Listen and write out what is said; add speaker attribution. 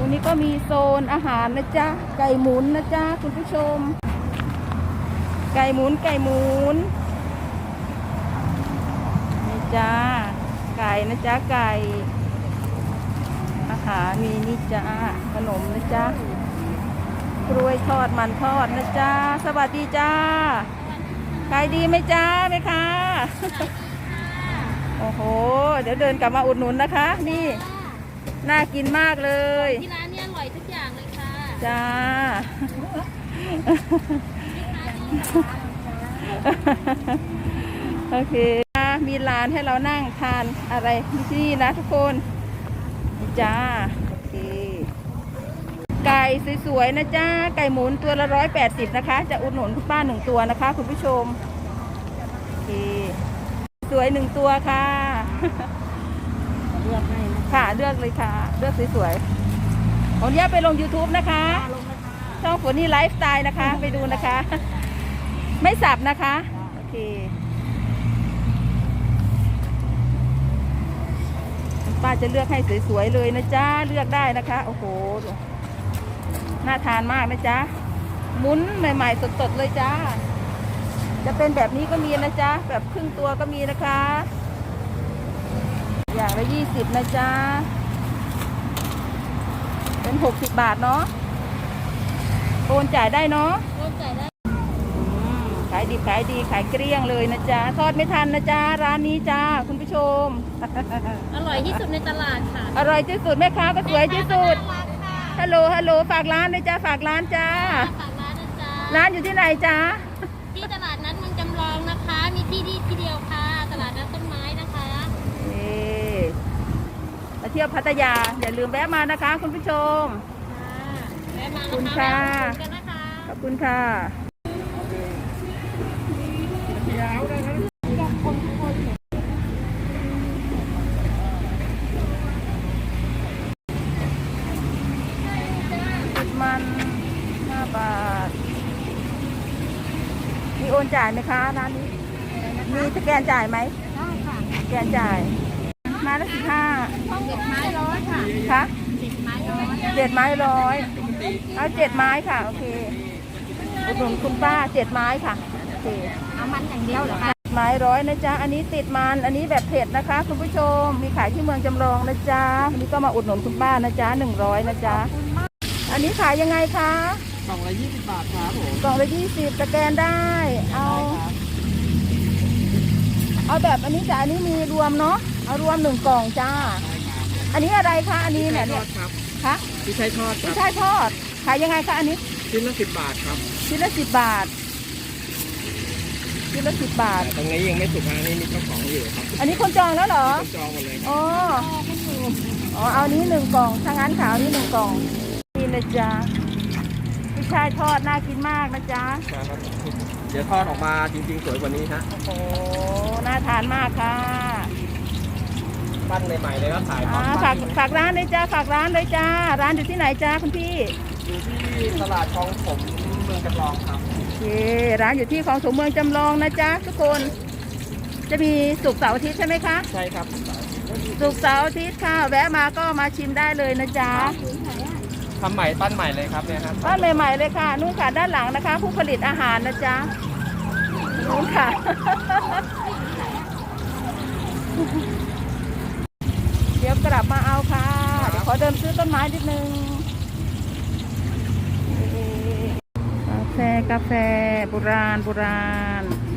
Speaker 1: รงนี้ก็มีโซนอาหารนะจ๊ะไก่หมุนนะจ๊ะคุณผู้ชมไก่หมุนนี่จ้าไก่นะจ๊ะไก่อาหารมีนี่จ้าขนมนะจ๊ะกล้วยทอดมันทอดนะจ๊ะสวัสดีจ้าขายดีไหมจ้าไหมคะโอ้โหเดี๋ยวเดินกลับมาอุดหนุนนะคะนี่น่ากินมากเลย
Speaker 2: ที่ร้านนี้อร่อยทุกอย่างเลยค่ะ
Speaker 1: จ้าโอเคมีร้านให้เรานั่งทานอะไรที่นี่นะทุกคนจ้าโอเคไก่สวยๆนะจ้าไก่หมุนตัวละ180นะคะจะอุดหนุนคุณป้า1ตัวนะคะคุณผู้ชมโอเคสวย1ตัวค่ะเลือกให้ค่ะเลือกเลยค่ะเลือกสวยๆผมย่าไปลง YouTube นะคะช่องฝนนี่ไลฟ์สไตล์นะคะไปดูนะคะไม่สับนะคะโอเคป้าจะเลือกให้สวยๆเลยนะจ๊ะเลือกได้นะคะโอ้โหน่าทานมากนะจ๊ะหมุนใหม่ๆสดๆเลยจ้าจะเป็นแบบนี้ก็มีนะจ๊ะแบบครึ่งตัวก็มีนะคะอย่างละ20นะจ๊ะเป็น60 บาทเนาะโอนจ่ายได้เนาะ
Speaker 2: โอนจ่ายได้
Speaker 1: ขายดีขายดีขายเกลี้ยงเลยนะจ๊ะทอดไม่ทันนะจ๊ะร้านนี้จ้าคุณผู้ชม
Speaker 2: อร่อยที่สุดในตลาดค่ะ
Speaker 1: อร่อยที่สุดแม่ค้าก็สวยที่สุดฮัลโหลฝากร้านเลยจ้าฝากร้านจ้า
Speaker 2: ฝากร้านนะจ๊ะ
Speaker 1: ร้านอยู่ที่ไหนจ้า
Speaker 2: ที่ตลาดนัดเมืองจำลองนะคะมีที่เดียวค่ะตลาดนัดต้นไม้นะคะ
Speaker 1: มาเที่ยวพัทยาอย่าลืมแวะมานะคะคุณผู้ชม
Speaker 2: แวะมา
Speaker 1: ขอบคุณค่ะขอบคุณค่ะมัน5 บาทมีโอนจ่ายไหมคะร้านนี้มีสแกนจ่ายไหม
Speaker 2: ได้ค่ะ
Speaker 1: สแกนจ่ายไม้ละ15
Speaker 2: 7 ไม้100ค่ะ
Speaker 1: ค่ะ
Speaker 2: 10 ไม้100
Speaker 1: 7 ไม้100เอา7 ไม้ค่ะโอเคอุดหนุนคุณป้า7 ไม้ค่ะโอเค
Speaker 2: เอามันอย่างเดียวเหรอคะ
Speaker 1: ไม้100นะจ๊ะอันนี้ติดมันอันนี้แบบเผ็ดนะคะคุณผู้ชมมีขายที่เมืองจำลองนะจ๊ะวันนี้ก็มาอุดหนุนคุณป้านะจ๊ะ100นะจ๊ะอันนี้ขายยังไงคะ
Speaker 3: กล่องละ20 บาทครับผม
Speaker 1: กล่องละ20สแกนได้เอาแบบอันนี้จ้ะอันนี้มีรวมเนาะเอารวม1 กล่องจ้าอันนี้อะไรคะอันนี้เนี่ย
Speaker 3: คะที่ใช้ทอด
Speaker 1: ที่ใช้ทอดขายยังไงคะอันนี้
Speaker 3: ชิ้นละ10 บาทครับ
Speaker 1: ชิ้นละ10 บาทชิ้นละ10 บาท
Speaker 3: ตรงนี้ยังไม่สุกนะนี่มีเจ้าของอยู่ครับ
Speaker 1: อันนี้คนจองแล้วเหรอ
Speaker 3: คนจองหมดเลย
Speaker 1: อ๋อเอานี้1 กล่องถ้างั้นขาวนี้1 กล่องนี่นะจ๊ะพี่ชายทอดน่ากินมากนะจ๊ะ
Speaker 3: ครับเดี๋ยวทอดออกมาจริงๆสวยกว่านี้ฮะ
Speaker 1: โอ้โหน่าทานมากค่ะ
Speaker 3: ปั้นใหม่ๆเลยก็ขาย
Speaker 1: ฝากร้านเลยจ้าฝากร้านเลยจ้าร้านอยู่ที่ไหนจ้าคุณพี่
Speaker 3: อยู่ที่ตลาดคลองถมเมืองจำลองครับ
Speaker 1: โอเคร้านอยู่ที่ของถมเมืองจำลองนะจ๊ะทุกคนจะมีศุกร์เสาร์อาทิตย์ใช่ไหมคะ
Speaker 3: ใช่ครับ
Speaker 1: ศุกร์เสาร์อาทิตย์ค่ะแวะมาก็มาชิมได้เลยนะจ๊ะ
Speaker 3: ทำใหม่ปั้นใหม่เลยครับเนี่ยครับ
Speaker 1: ปั้นใหม่ๆเลยค่ะนู่นค่ะด้านหลังนะคะ ผู้ผลิตอาหารนะจ๊ะนู่นค่ะเดี๋ยวกลับมาเอาค่ะเดี๋ยวขอเดินซื้อต้นไม้นิดนึงกาแฟโบราณ